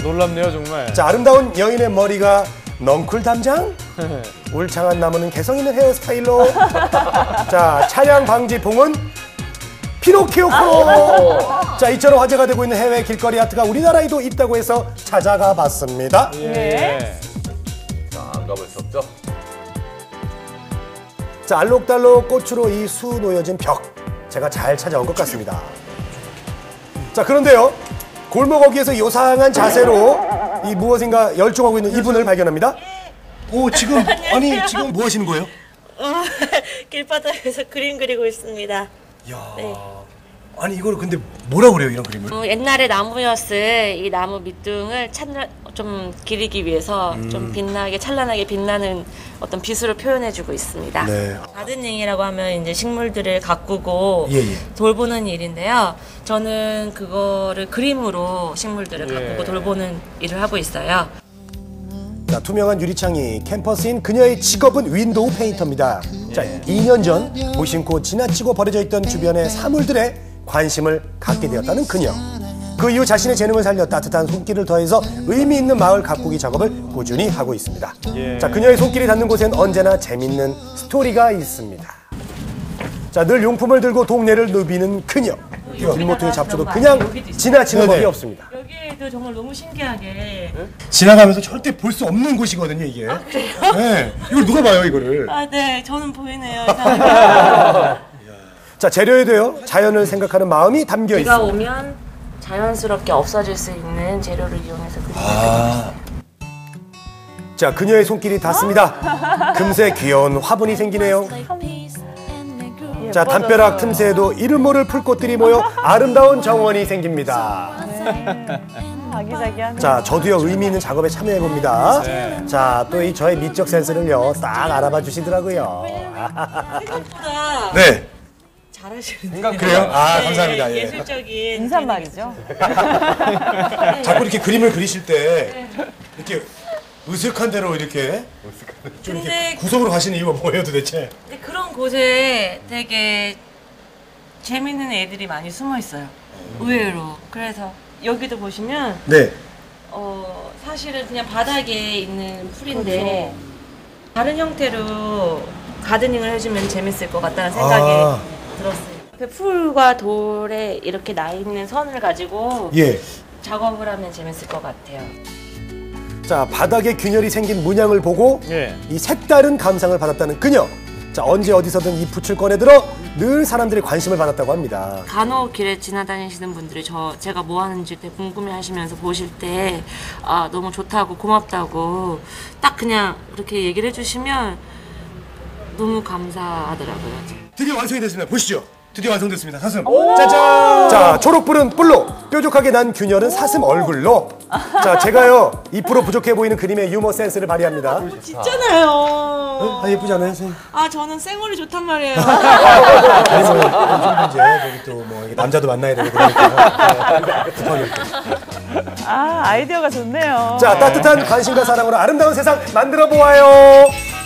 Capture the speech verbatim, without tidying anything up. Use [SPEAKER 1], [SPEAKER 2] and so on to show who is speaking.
[SPEAKER 1] 놀랍네요 정말.
[SPEAKER 2] 자, 아름다운 여인의 머리가 넝쿨 담장? 울창한 나무는 개성 있는 헤어스타일로. 자, 차량 방지봉은 피노키오 코로. 자, 이처럼 화제가 되고 있는 해외 길거리 아트가 우리나라에도 있다고 해서 찾아가 봤습니다.
[SPEAKER 1] 예.
[SPEAKER 3] 자, 안 가볼 수 없죠.
[SPEAKER 2] 자, 알록달록 꽃으로 이 수 놓여진 벽, 제가 잘 찾아온 것 같습니다. 자, 그런데요, 골목 어귀에서 요상한 자세로 이 무엇인가 열중하고 있는 이분을 발견합니다. 오, 지금 아니 지금 뭐 하시는 거예요?
[SPEAKER 4] 어, 길바닥에서 그림 그리고 있습니다.
[SPEAKER 2] 야,
[SPEAKER 4] 네.
[SPEAKER 2] 아니 이걸 근데 뭐라 그래요, 이런 그림을?
[SPEAKER 4] 어, 옛날에 나무였을 이 나무 밑둥을 찬, 좀 기리기 위해서
[SPEAKER 2] 음.
[SPEAKER 4] 좀 빛나게 찬란하게 빛나는 어떤 빗으로 표현해주고 있습니다.
[SPEAKER 2] 네.
[SPEAKER 4] 가드닝이라고 하면 이제 식물들을 가꾸고
[SPEAKER 2] 예, 예.
[SPEAKER 4] 돌보는 일인데요. 저는 그거를 그림으로 식물들을
[SPEAKER 1] 예.
[SPEAKER 4] 가꾸고 돌보는 일을 하고 있어요.
[SPEAKER 2] 자, 투명한 유리창이 캠퍼스인 그녀의 직업은 윈도우 페인터입니다. 자, 이 년 전 무심코 지나치고 버려져 있던 주변의 사물들에 관심을 갖게 되었다는 그녀. 그 이후 자신의 재능을 살려 따뜻한 손길을 더해서 의미 있는 마을 가꾸기 작업을 꾸준히 하고 있습니다.
[SPEAKER 1] 예.
[SPEAKER 2] 자, 그녀의 손길이 닿는 곳엔 언제나 재밌는 스토리가 있습니다. 자, 늘 용품을 들고 동네를 누비는 그녀. 길모퉁이 잡초도 그냥 지나치는 법이 없습니다.
[SPEAKER 4] 여기에도 정말 너무 신기하게.
[SPEAKER 2] 지나가면서 절대 볼 수 없는 곳이거든요, 이게.
[SPEAKER 4] 아, 그래요?
[SPEAKER 2] 네. 이걸 누가 봐요, 이거를?
[SPEAKER 4] 아, 네. 저는 보이네요.
[SPEAKER 2] 자, 재료에도요, 자연을 생각하는 마음이 담겨
[SPEAKER 4] 비가
[SPEAKER 2] 있습니다.
[SPEAKER 4] 오면 자연스럽게 없어질 수 있는 재료를 이용해서 그리고
[SPEAKER 2] 아. 자, 그녀의 손길이 닿습니다. 금세 귀여운 화분이 생기네요. 자, 담벼락 틈새에도 이름 모를 풀꽃들이 모여 아름다운 정원이 생깁니다.
[SPEAKER 5] 아기자기하네.
[SPEAKER 2] 자, 저도요, 의미 있는 작업에 참여해봅니다.
[SPEAKER 1] 네.
[SPEAKER 2] 자, 또 이 저의 미적 센스를요, 딱 알아봐 주시더라고요.
[SPEAKER 4] 생각보다
[SPEAKER 2] 네.
[SPEAKER 4] 잘하시는데요.
[SPEAKER 2] 그래요? 아,
[SPEAKER 4] 네,
[SPEAKER 2] 감사합니다. 예.
[SPEAKER 4] 예술적인
[SPEAKER 5] 인사말이죠.
[SPEAKER 2] 자꾸 이렇게 그림을 그리실 때 이렇게 으슥한 대로 이렇게 좀 이렇게
[SPEAKER 4] 근데-
[SPEAKER 2] 구석으로 가시는 이유가 뭐예요, 도대체?
[SPEAKER 4] 근데 그런 곳에 되게 재밌는 애들이 많이 숨어 있어요. 의외로. 그래서 여기도 보시면
[SPEAKER 2] 네.
[SPEAKER 4] 어 사실은 그냥 바닥에 있는 풀인데 다른 형태로 가드닝을 해주면 재밌을 것 같다는 생각이
[SPEAKER 2] 아.
[SPEAKER 4] 들었어요. 그 풀과 돌에 이렇게 나 있는 선을 가지고
[SPEAKER 2] 예.
[SPEAKER 4] 작업을 하면 재밌을 것 같아요.
[SPEAKER 2] 자, 바닥에 균열이 생긴 문양을 보고
[SPEAKER 1] 예.
[SPEAKER 2] 이 색다른 감상을 받았다는 그녀. 자, 언제 어디서든 이 붓을 꺼내들어 늘 사람들의 관심을 받았다고 합니다.
[SPEAKER 4] 간혹 길에 지나다니시는 분들이 저 제가 뭐 하는지 되게 궁금해하시면서 보실 때 아, 너무 좋다고 고맙다고 딱 그냥 그렇게 얘기를 해주시면 너무 감사하더라고요.
[SPEAKER 2] 드디어 완성이 됐습니다. 보시죠. 드디어 완성됐습니다. 사슴. 짜잔! 자, 초록불은 뿔로, 뾰족하게 난 균열은 사슴 얼굴로. 자, 제가요, 이 퍼센트 부족해 보이는 그림의 유머 센스를 발휘합니다.
[SPEAKER 4] 있잖아요.
[SPEAKER 2] 아, 예쁘지 않아요, 선생님?
[SPEAKER 4] 아, 저는 생얼이 좋단 말이에요.
[SPEAKER 2] 아니, 뭐, 요즘 이제 저기 또 뭐 남자도 만나야 되고 그러니까 급하게 이렇게.
[SPEAKER 5] 아, 아이디어가 좋네요.
[SPEAKER 2] 자, 따뜻한 관심과 사랑으로 아름다운 세상 만들어 보아요.